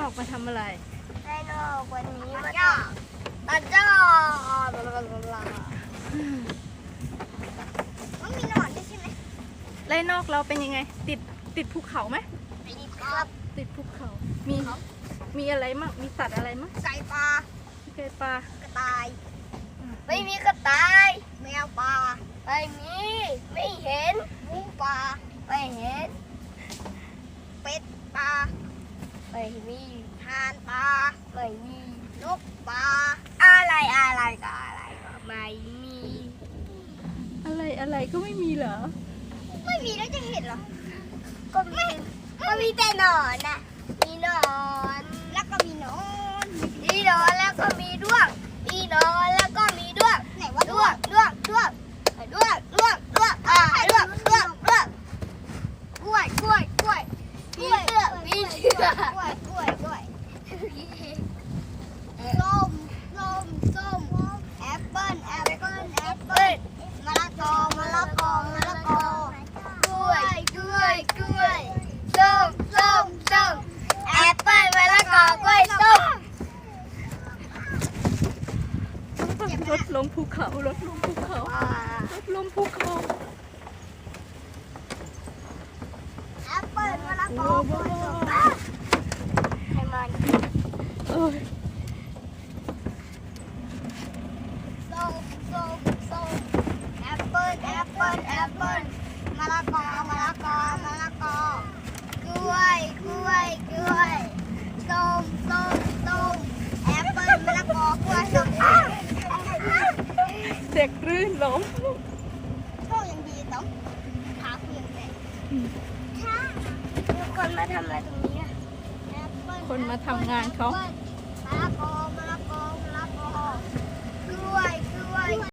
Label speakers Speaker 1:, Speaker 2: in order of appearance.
Speaker 1: อกมาทำอะไร
Speaker 2: ไดโนวันนี้มาจ้ามันมีหนอนด้วยใช่ไหม
Speaker 1: ไล่นอกเราเป็นยังไงติดภูเขาไหม
Speaker 2: ไม่มีครับ
Speaker 1: ติดภูเขามีอะไรมั่งมีสัตว์อะไรมั่ง
Speaker 2: ไก่ปลา
Speaker 1: ไก่ปลาก
Speaker 2: ระต่ายไม่มีกระต่ายแมวปลาไม่มีไม่เห็นหมูปลาไม่เห็นเป็ดปลาไม่มีห่านปลาไม่มีนกปลาอะไรก็ไม่มี
Speaker 1: อะไรก็ไม่มีเหรอ
Speaker 2: ไม่มีแล้วจะเห็นเหรอก็มีแต่หนอนน่ะมีหนอนแล้วก็มีหนอนแล้วก็มีด้วงมีหนอนแล้วก็มีด้วงไหนว่าด้วงกล้วยกล้วยมีเชือกส้มแอปเปิ้ลมะละกอกล้วยส้มแอปเปิ้ลมะละกอกล้วยส้ม
Speaker 1: รถลงภูเขา
Speaker 2: แอปเปิ้ลมะละกอกล้วยส้มให้มันส้มแอปเปิ้ลมะละกอกล้วยส้มแอปเปิ้ลมะละกอกล้วยส้ม
Speaker 1: เด็กรื่นล้ม
Speaker 2: โชคยังดีต้องขาเพียงแต่มีคนมาทำอะไรตรงนี้
Speaker 1: คนมาทำงานเขา